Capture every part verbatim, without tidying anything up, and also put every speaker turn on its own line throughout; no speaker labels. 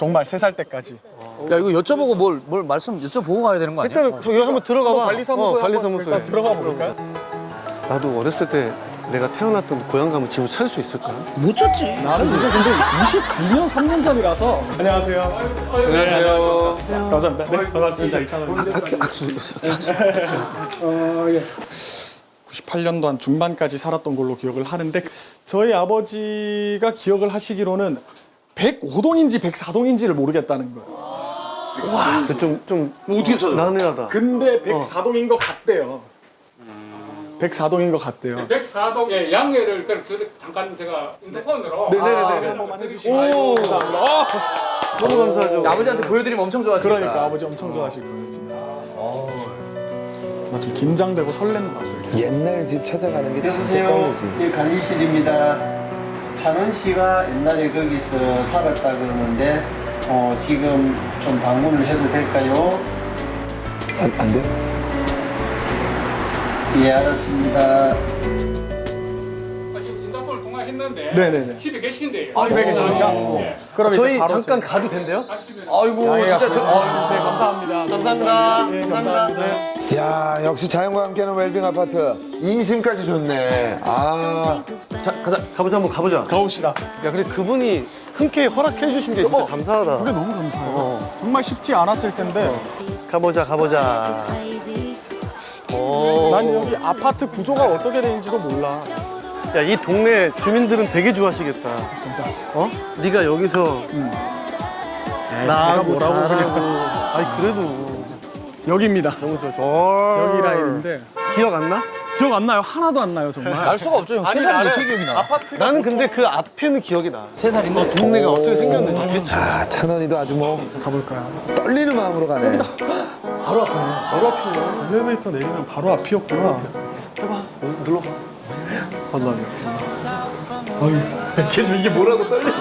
정말 세 살 때까지.
야 이거 여쭤보고 뭘, 뭘 말씀 여쭤보고 가야 되는 거 아니야?
일단 저기 한번 들어가 봐.
관리사무소에
어,
한번
관리사무소에.
일단 들어가 볼까요?
나도 어렸을 때 내가 태어났던 고향 가면 집을 찾을 수 있을까?
못 찾지.
나는 이거 근데 이십이 년, 삼 년 전이라서. 안녕하세요. 안녕하세요. 감사합니다. 네, 반갑습니다. 이찬원.
악수, 악수.
어, 예. 구십팔 년도 한 중반까지 살았던 걸로 기억을 하는데 저희 아버지가 기억을 하시기로는 백오 동인지 백사 동인지를 모르겠다는 거예요.
와, 좀, 좀
어떻게 찾아?
난해하다.
근데 백사 동인 것 같대요. 백사 동인 것 같대요.
백사 동의 양해를 그럼 저 잠깐 제가 인터폰으로
네네네.
한 번만 해주시면
오,
감사합니다. 어!
너무 감사하죠.
아버지한테 보여드리면 엄청 좋아하시겠다.
그러니까 아버지 엄청 좋아하실 거예요, 진짜. 나 좀 긴장되고 설렌다. 되게.
옛날 집 찾아가는 게 진짜
여보세요.
떨리지.
예, 관리실입니다. 찬원 씨가 옛날에 거기서 살았다 그러는데 어, 지금 좀 방문을 해도 될까요?
안, 안 돼?
예, 알았습니다.
지금 인터폰을 통화했는데
네네네.
집에 계신데요.
아, 집에 계십니까?
예.
그럼
저희
이제 바로
잠깐
제-
가도 된대요?
가시면
아이고
양해가
진짜 저.
구해주셔서- 네, 감사합니다.
감사합니다.
네,
감사합니다.
감사합니다.
네.
야, 역시 자연과 함께하는 웰빙 아파트. 인심까지 좋네. 아,
자 가자.
가보자, 한번 가보자.
가봅시다.
야, 근데 그분이 흔쾌히 허락해 주신 게 진짜 감사하다.
그게 너무 감사해요. 정말 쉽지 않았을 텐데
가보자, 가보자. 오.
난 여기 아파트 구조가 어떻게 되는지도 몰라.
야, 이 동네 주민들은 되게 좋아하시겠다.
감사.
어? 네가 여기서
제가
나하고
뭐라고
잘하고. 아니, 그래도
여기입니다.
너무 좋아서.
여기 라인인데
기억 안 나?
기억 안 나요. 하나도 안 나요, 정말.
날 수가 없죠 형. 세
아니,
살인데
나는
어떻게 기억이 나?
아파트가
나는 근데 그 앞에는 기억이 나.
세 살인데.
동네가 어떻게 생겼는지. 그치?
아, 찬원이도 아주 뭐
가볼까요?
떨리는 마음으로 가네.
바로 앞이네.
바로 앞이네.
엘리베이터 내리면 바로 앞이었구나.
해봐. 어, 눌러봐.
만나면.
걔는 이게 뭐라고 떨려?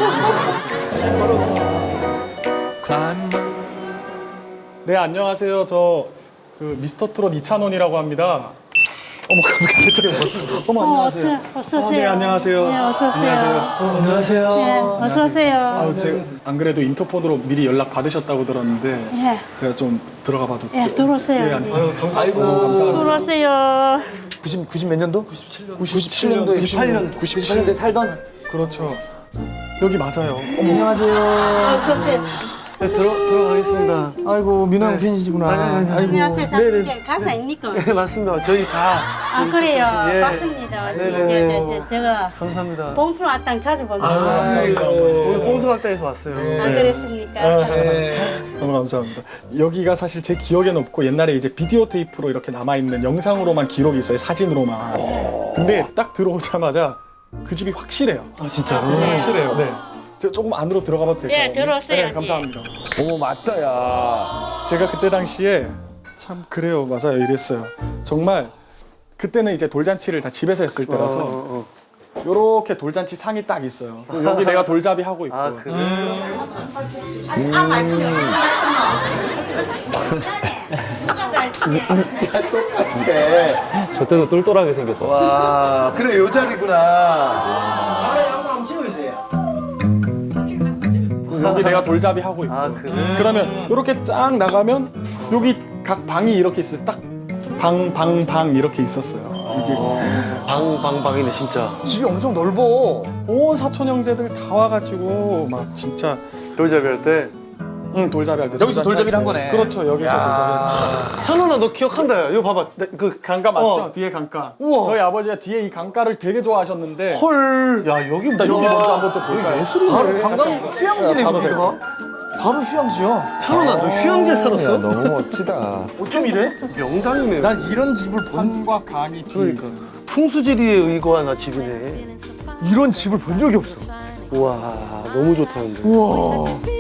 네, 안녕하세요. 저 그 미스터 트롯 이찬원이라고 합니다. 어머, 깜짝이야. 어머, 안녕하세요.
어서
어,
오세요.
네, 안녕하세요.
네, 어서 오세요.
안녕하세요.
안녕하세요.
네, 어서 오세요.
아유, 제가 안 그래도 인터폰으로 미리 연락 받으셨다고 들었는데
예,
제가 좀 들어가 봐도
예,
좀-
들어오세요.
예, 아니,
예.
감사합니다. 감사합니다.
들어오세요.
구십 구십 몇 년도?
구십칠 년도,
구십팔 년도. 구십칠 년도에 살던.
그렇죠. 여기 맞아요.
안녕하세요.
어서 오세요.
네, 들어, 들어가겠습니다.
아이고 민호 형 팬이시구나.
아니, 아니, 아니.
안녕하세요.
네네.
장국장 가사입니까?
네, 맞습니다. 저희 다.
아, 그래요.
예.
맞습니다.
네네.
제, 제, 제, 제가
감사합니다.
봉수 왔당 자주 봅니다.
아,
감사합니다.
오늘 뽕수각당에서 왔어요.
아, 그랬습니까?
너무 감사합니다. 여기가 사실 제 기억에는 없고 옛날에 이제 비디오 테이프로 이렇게 남아있는 영상으로만 기록이 있어요. 사진으로만. 근데 딱 들어오자마자 그 집이 확실해요.
아, 진짜로?
그 집이 확실해요. 네. 제가 조금 안으로 들어가 봐도 될까요?
예, 들어오세요.
네, 감사합니다.
어머, 맞다, 야.
제가 그때 당시에 참 그래요. 맞아요. 이랬어요. 정말 그때는 이제 돌잔치를 다 집에서 했을 때라서
어, 어.
요렇게 돌잔치 상이 딱 있어요. 여기 내가 돌잡이 하고 있고.
아, 그래?
네.
저 때도 똘똘하게 생겼어.
와, 그래, 요 자리구나.
여기 내가 돌잡이 하고 있고.
아, 그래?
그러면 이렇게 쫙 나가면 여기 각 방이 이렇게 있어요. 딱 방, 방, 방 이렇게 있었어요. 이게
방, 방, 방이네, 진짜.
집이 엄청 넓어.
온 사촌 형제들 다 와가지고 막 진짜
돌잡이 할 때.
응 돌잡이 할 때.
여기서 돌잡이를 한
때.
거네.
그렇죠. 여기서 돌잡이 했죠.
찬원아, 너 기억한다, 야. 이거 봐봐. 나, 그,
강가 맞죠?
어.
뒤에 강가.
우와.
저희 아버지가 뒤에 이 강가를 되게 좋아하셨는데.
헐. 야, 여기
나 여기 먼저 한번 좀 볼까요?
바로 관광 휴양지네
가도
여기가. 바로 휴양지야.
찬원아, 너 휴양지에
야,
살았어?
너무 멋지다.
어쩜 이래?
명당이네.
난 이런 집을 본
산과 강이 뒤에
그러니까.
있잖아요.
풍수지리에 의거한 집이네.
이런 집을 본 적이 없어.
우와, 너무 좋다는데.
우와.